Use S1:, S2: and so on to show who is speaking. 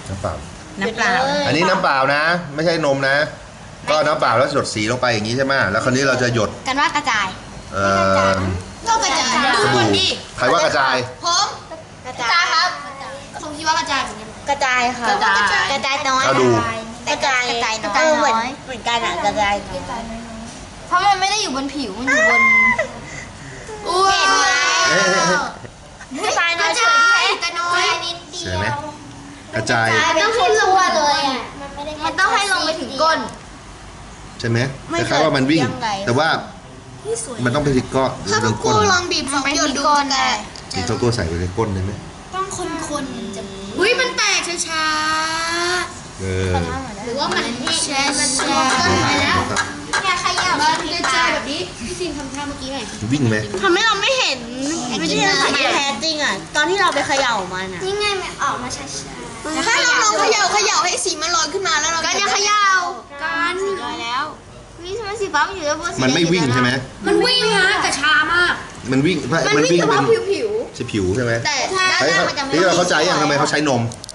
S1: น้ำเปล่า
S2: น้ำเปล่า
S1: อันนี้น้ำเปล่านะ ไม่ใช่นมนะ ก็น้ำเปล่าแล้วหยดสีลงไปอย่างนี้ใช่ไหมแล้วคราวนี้เราจะหยด
S3: กันว่ากระจาย
S4: ก็กระจาย
S1: สบู่ใครว่ากระจาย
S4: ผมกระจายครับผมคิดว่ากระจายเหมือนกัน
S3: กระจายค่ะ
S4: กระจายน้อย
S1: เอาดู
S3: กระจายน้อยเหมือนกันอ่ะกระจายน้อย
S4: เพราะมันไม่ได้อยู่บนผิวมันอยู่บนอุ้ย
S1: เอ๊ะ
S3: กระจายน้
S4: ก
S3: อ
S4: ระ
S3: ย
S4: จายกระน้อยนิดเดี
S1: เสีย
S4: ยว
S1: ไหมกระจาย
S4: ต้องให้ลงมาเลยอ่ะมันต้องให้ลงไปถึงก้น
S1: ใช่ไหมคล้ายๆว่ามันวิ่ง แต่ว่ามันต้องไปที่ก้อนหรือ
S4: ถ้า
S1: เรื่
S4: คุ
S1: อง
S4: ณ
S1: ก้น
S4: ลองบีบ2 หยดดูกัน
S1: อีกตัวตัวใส่ไปในก้นได้ไหม
S4: ต้องคนๆจะอุ้ยมันแตกช้า
S1: เออ
S4: ๆหรือว่ามันแช่มันไปแล้วแค่ขยับมันกระจายแบบนี้พี่ซินทำท่าเมื่อกี้หน่อย
S1: วิ่งไหม
S3: ทำให้เราไม่เห็นวิธีการที่แท้จริงอ่ะตอนที่เราไปเขย่ามันอ่ะ
S4: นี่ไงมันออกมาช้าๆถ้าเราลองเขย่าให้สีมันลอยขึ้นมาแล้วเราก็จะเขย่ากัน
S3: ลอยแล้วนี่ทำไมสีฟ้ามันอยู่ด้านบน
S1: มันไม่วิ่งใช่ไหม
S4: มันวิ่งนะแต่ช้ามาก
S1: มันวิ่ง
S4: มันวิ่งเฉ
S1: เป็
S4: พาะ
S1: น
S4: ผิว
S1: ผิวใช่ไหม
S4: แต่ด้าน
S1: เฮ้ย
S4: ล่างมันจะไม่
S1: นี่เราเข้าใจยังทำไมเขาใช้นม